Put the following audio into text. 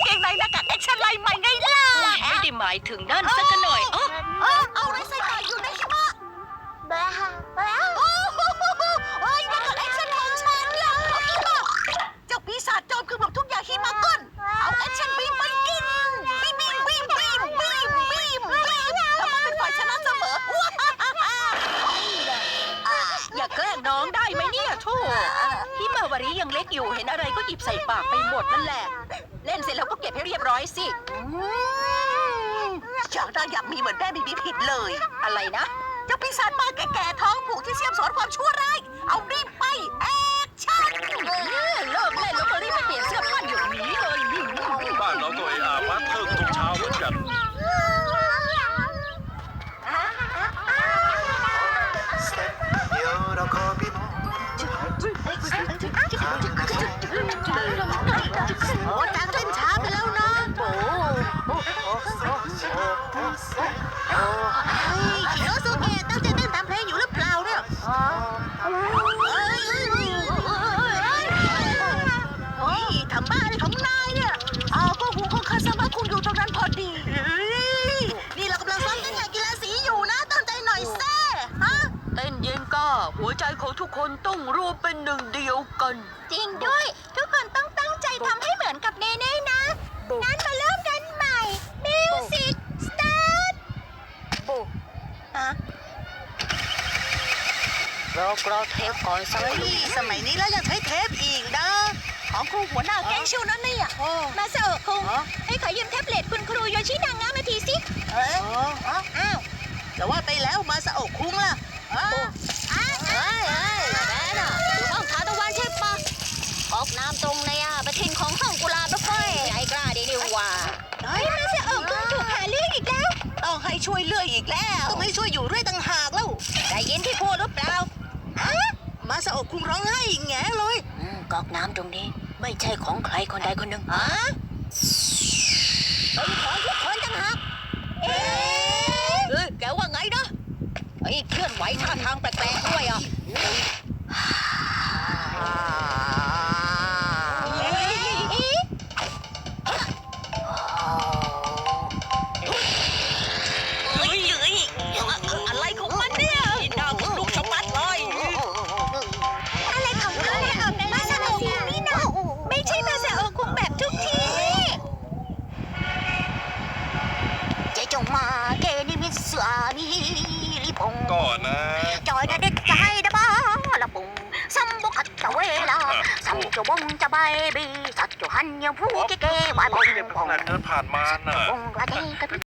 งในหน้ากากแอคชั่นไลน์ใหม่ไงล่ะไม่ได้หมายถึงนั่นสักหน่อยเอาอะไรใส่ปากอยู่นะใช่ไหมโอ้ยหน้ากากแอคชั่นของฉันเหรอเจ้าปีศาจโจมคือแบบทุกอย่างที่มาก้นเอาแอคชั่นบีมไปกินบีมทำไมเป็นฝ่ายชนะเสมออย่าแกล้งน้องได้ไหมเนี่ยโธ่พี่มาวารียังเล็กอยู่เห็นอะไรก็หยิบใส่ปากไปหมดนั่นแหละเล่นเสร็จแล้วก็เก็บให้เรียบร้อยสิอยากมีเหมือนแม่บีผิดเลยอะไรนะเจ้าปีศาจมาแก่ๆท้องผูกที่เสี่ยมสอนความชั่วร้ายเอารีบไปแอคชั่นเลิกเล่นแล้วก็รีบไปเปลี่ยนเสื้อผ้าอยู่นี้เลยบ้านเราก็วัดเทิงทุกเช้าเหมือนกันโอ้จังเล่นช้าไปแล้วนะคิโนสุเกะตั้งใจเต้นตามเพลงอยู่หรือเปล่าเนี่ยทำบ้าอะไรของนายเนี่ยก็หูของคาซามาคุงอยู่ตรงนั้นพอดีนี่เรากำลังซ้อมเต้นอย่างกีฬาสีอยู่นะตั้งใจหน่อยแซ่เต้นเย็นก้าหัวใจของทุกคนต้องรวมเป็นหนึ่งเดียวกันจริงด้วยทุกคนต้องตั้งใจทำให้เหมือนกับเนเน่นะงั้นมาเริ่มกันใหม่มิวสิกสตาร์ทเราเทปก่อนสักสมัยนี้แล้วยังใช้เทปอีกนะของครูหัวหน้าแก๊งชิวนั่นนี่มาเซอร์คุงให้ขอยืมแท็บเล็ตคุณครูโยชินางามาทีสิแต่ว่าไปแล้วมาเซอร์คุงล่ะแม่น่ะอยู่ห้องทานตะวันใช่ปะออกน้ำตรงในประทินของห้องกุลาบไฟไอ้กล้าดีนี่ว่ามาเซอร์คุงถูกหาเรื่องอีกแล้วต้องให้ช่วยเลื่อยอีกแล้วต้องให้ช่วยอยู่ด้วยต่างหากแล้วได้ยินที่พูดหรือเปล่ามาเซอร์คุงร้องไห้แง่เลยก๊อกน้ำตรงนี้ไม่ใช่ของใครคนใดคนหนึ่งเป็นของทุกคนต่างหากแกว่าไงนะไอ้เคลื่อนไหวท่าทางแปลกๆด้วยอะไรของมันเนี่ยน่าขนลุกชะมัดเลยอะไรของเขาเนี่ยมาเซอร์คุงนี่นะไม่ใช่มาเซอร์คุงแบบทุกทีเจ๊จงมาเกนิมิสวามีริปงก่อนนะจอยเด็ดใจนะบ้าละปุงซัมบุกัดตะเวลาซัมจะวงจะใบบีสัตว์จะหันยังผู้เก๋ๆวายบงเดินผ่านมาน่ะบงกระเดกระ